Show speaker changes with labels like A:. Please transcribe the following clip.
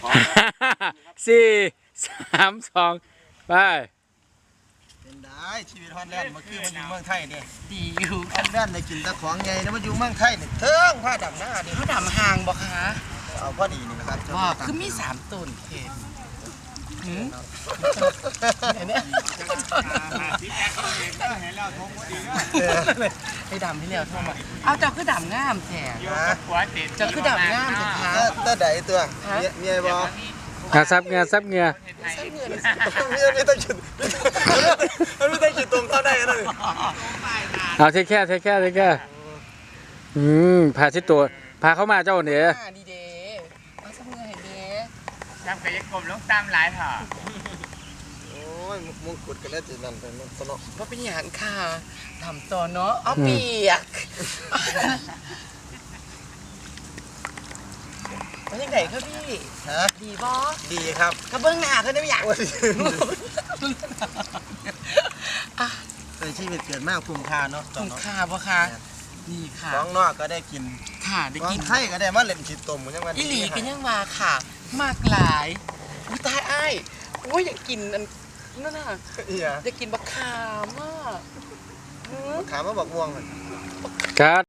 A: สี่สามสองไป
B: เป็นได้ชีวิตฮอตแลนด์มาคือมันอยู่เมืองไทยเนี่ย
C: ดีอยู่
B: ฮอตแลนด์ได้กินแต่ของใหญ่นะมันอยู่เมืองไทยเนี่ยเทิงผ้าดำหน้าเนี่ย
C: เขาดำห่างบ่คะ
B: เอาพอดีนี่นะครับ
C: ว่าคือมี3ต้นเขตเนี่ยให้ดำให้แล้วโทรมาเอาเจ้าคือดำงามแท้เจ้าคือดำงามสุดท้าย
B: ถ้าใดตัวเมียบอก
A: งาซับเงาซับเงา
B: เมียไม่ต้องจุดมันไม่ต้องจุดตรงเท่าได้นะ
A: เอาเทแค่พาชิดตัวพาเข้ามาเจ้าเนี่ย
C: ดีเด้เอาสักเงินให้เด้
D: ทำกับยักษ์กลมลงตามหลายเถอะ
B: โอ้ยมงกุฎกันแล้วจีนั่นเป็นสนอ
C: ว่าเป็นอย่างค่ะทำต่อเนาะเอาเปียกว่ายังไงครับพี่
B: ฮะ
C: ดีบ่
B: ดีครับ
C: กระเบื้องหน้าเขาได้ไม่อยาก
B: ในชีวิตเกิดมากคุ้มค่าเนาะ
C: ถุงค่าบ่คะดีค่ะ
B: ของนอกก็ได้กิน
C: ค่ะได้
B: ของ
C: กิน
B: ไทยก็ได้มาเล่นขีดตุ่มยังวัน
C: อีหลีกันยังมาค่ะ มากหลายอุ้ยตายอ้ายโอ้ยอยากกินอันนั่นน่ะ
B: อีหยัง
C: อยากกินบักขามอ่ะ
B: ขามาบอกม่วง
A: คัด